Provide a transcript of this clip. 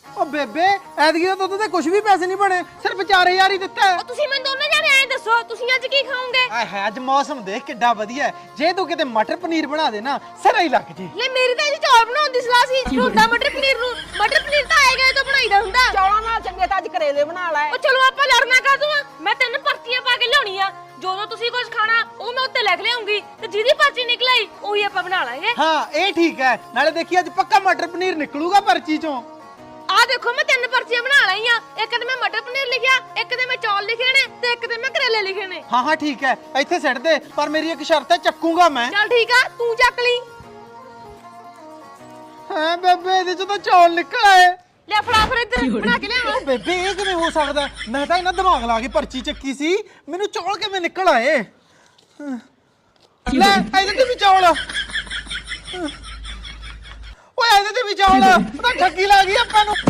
ਓ ਬੇਬੇ ਐਤਕੀ ਤਾਂ ਦੁੱਧ ਤੇ ਕੁਝ ਵੀ ਪੈਸੇ ਨਹੀਂ ਬਣੇ, ਸਿਰਫ 4000 ਹੀ ਦਿੱਤਾ ਹੈ। ਤੁਸੀਂ ਮੈਨੂੰ ਦੋਨੇ ਜਾਣੇ ਐਂ ਦੱਸੋ ਤੁਸੀਂ ਅੱਜ ਕੀ ਖਾਓਗੇ? ਆਏ ਹੈ ਅੱਜ ਮੌਸਮ ਦੇਖ ਕਿੱਡਾ ਵਧੀਆ ਹੈ। ਜੇ ਤੂੰ ਕਿਤੇ ਮਟਰ ਪਨੀਰ ਬਣਾ ਦੇ ਨਾ ਸਿਰਾ ਹੀ ਲੱਗ ਜੀ। ਲੈ ਮੇਰੀ ਤਾਂ ਅੱਜ ਚੌਲ ਬਣਾਉਣ ਦੀ ਸਲਾਹ ਸੀ। ਹੁੰਦਾ ਮਟਰ ਪਨੀਰ ਨੂੰ, ਮਟਰ ਪਨੀਰ ਤਾਂ ਆਏ ਗਏ ਤੋਂ ਬਣਾਈਦਾ ਹੁੰਦਾ। ਚੌਲਾਂ ਨਾਲ ਚੰਗੇ ਤਾਂ ਅੱਜ ਕਰੇਲੇ ਬਣਾ ਲੈ। ਉਹ ਚਲੋ ਆਪਾਂ ਲੜਨਾ ਕਾਹਤੋਂ ਆ? ਮੈਂ 3 ਪਰਚੀਆਂ ਪਾ ਕੇ ਲਿਆਉਣੀ ਆ। ਜਦੋਂ ਤੁਸੀਂ ਕੁਝ ਖਾਣਾ ਉਹ ਮੈਂ ਉੱਤੇ ਲਿਖ ਲਿਆਉਂਗੀ ਤੇ ਜਿਹਦੀ ਪਰਚੀ ਨਿਕਲ ਆਈ ਉਹੀ ਆਪਾਂ ਬਣਾ ਲਾਂਗੇ। ਹਾਂ ਇਹ ਠੀਕ ਹੈ, ਨਾਲੇ ਦੇਖੀ ਅੱਜ ਪੱਕਾ ਮਟਰ ਪਨੀਰ ਨਿਕਲੂਗਾ ਪਰਚੀ ਚੋਂ। ਆ ਦੇਖੋ ਮੈਂ 3 ਪਰਚੀਆਂ ਬਣਾ ਲਈਆਂ। ਇੱਕ ਤੇ ਮੈਂ ਮਟਰ ਪਨੀਰ ਲਿਖਿਆ, ਇੱਕ ਤੇ ਮੈਂ ਚੌਲ ਲਿਖੇ ਨੇ ਤੇ ਇੱਕ ਤੇ ਮੈਂ ਕਰੇਲੇ ਲਿਖੇ ਨੇ। ਹਾਂ ਹਾਂ ਠੀਕ ਹੈ, ਇੱਥੇ ਸਿੱਟ ਦੇ, ਪਰ ਮੇਰੀ ਇੱਕ ਸ਼ਰਤ ਹੈ, ਚੱਕੂਗਾ ਮੈਂ। ਚੱਲ ਠੀਕ ਆ, ਤੂੰ ਚੱਕ ਲਈ। ਹਾਂ ਬੇਬੇ ਇਹਦੇ ਚੋਂ ਤਾਂ ਚੌਲ ਨਿਕਲ ਆਏ। ਲੈ ਫੜਾ ਫਿਰ ਇੱਧਰ ਬਣਾ ਕੇ ਲਿਆਵਾਂ। ਓ ਬੇਬੇ ਇਹ ਕਿਵੇਂ ਹੋ ਸਕਦਾ? ਮੈਂ ਤਾਂ ਇਹਨਾਂ ਦਿਮਾਗ ਲਾ ਕੇ ਪਰਚੀ ਚੱਕੀ ਸੀ, ਮੈਨੂੰ ਚੌਲ ਕਿਵੇਂ ਨਿਕਲ ਆਏ? ਲੈ ਇਹਦੇ ਤੇ ਵੀ ਚੌਲ। ਓਏ ਇਹਦੇ ਤੇ ਵੀ ਚੌਲ, ਉਹ ਤਾਂ ਠੱਗੀ ਲਾ ਗਈ ਆਪਾਂ ਨੂੰ।